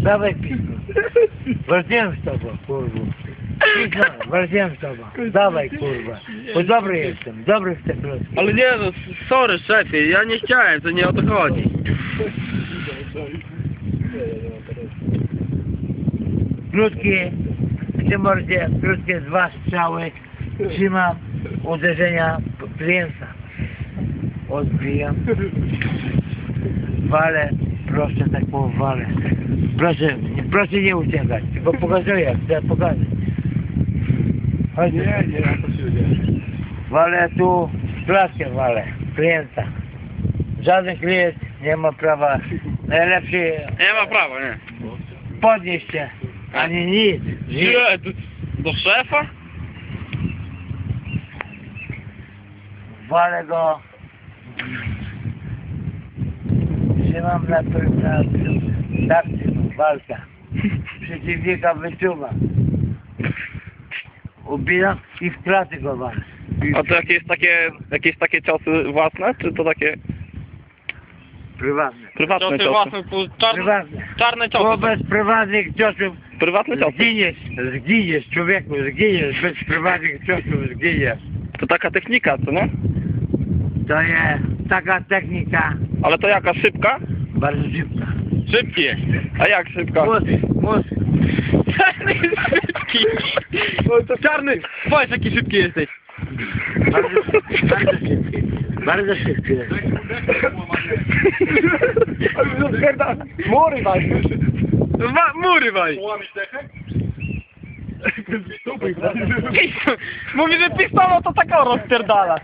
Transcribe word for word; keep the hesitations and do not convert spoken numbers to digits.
Dawaj pizdu. Walczyłem z tobą, kurwa. Pizdo, walczyłem z tobą. Dawaj, kurwa. Bo dobry jestem, dobry w te klocki. Ale nie no, sorry szefie, ja nie chciałem, to nie o to chodzi. Krótkie, w tym mordzie, krótkie dwa strzały. Trzymam uderzenia klienta. Odbijam. Walę, proszę tak walę. Proszę, proszę nie uciekać, tylko pokazuję, chcę pokazać. Chodź. Nie, nie, ja to się nie. Walę tu, klatkę walę, klienta. Żaden klient nie ma prawa, najlepszy Nie ma prawa, nie. podnieść się, ani nic. Nie, do, do szefa? Walę go, trzymam na na tak trzymam, walka. Przeciwnika wyczuwam. Ubijam i w klaty go walę. A to jakieś takie, jakieś takie ciosy własne, czy to takie Prywatne. prywatne Ciosy ciosy? własne, po- czarne, Prywatne. czarne ciosy. Wobec prywatnych ciosów Prywatne ciosy. zginiesz, zginiesz człowieku, zginiesz, bez prywatnych ciosów zginiesz. To taka technika, co nie? To jest taka technika Ale to jaka, szybka? bardzo szybka. Szybki jest. A jak szybka? Mózg, mózg. Czarny jest szybki. O, to czarny. Powiedz jaki szybki jesteś. Bardzo, bardzo szybki. Bardzo szybki jest. Mury waj. Wa mury waj. Połamić dechę? Mówi, że pistolet to taką rozpierdala.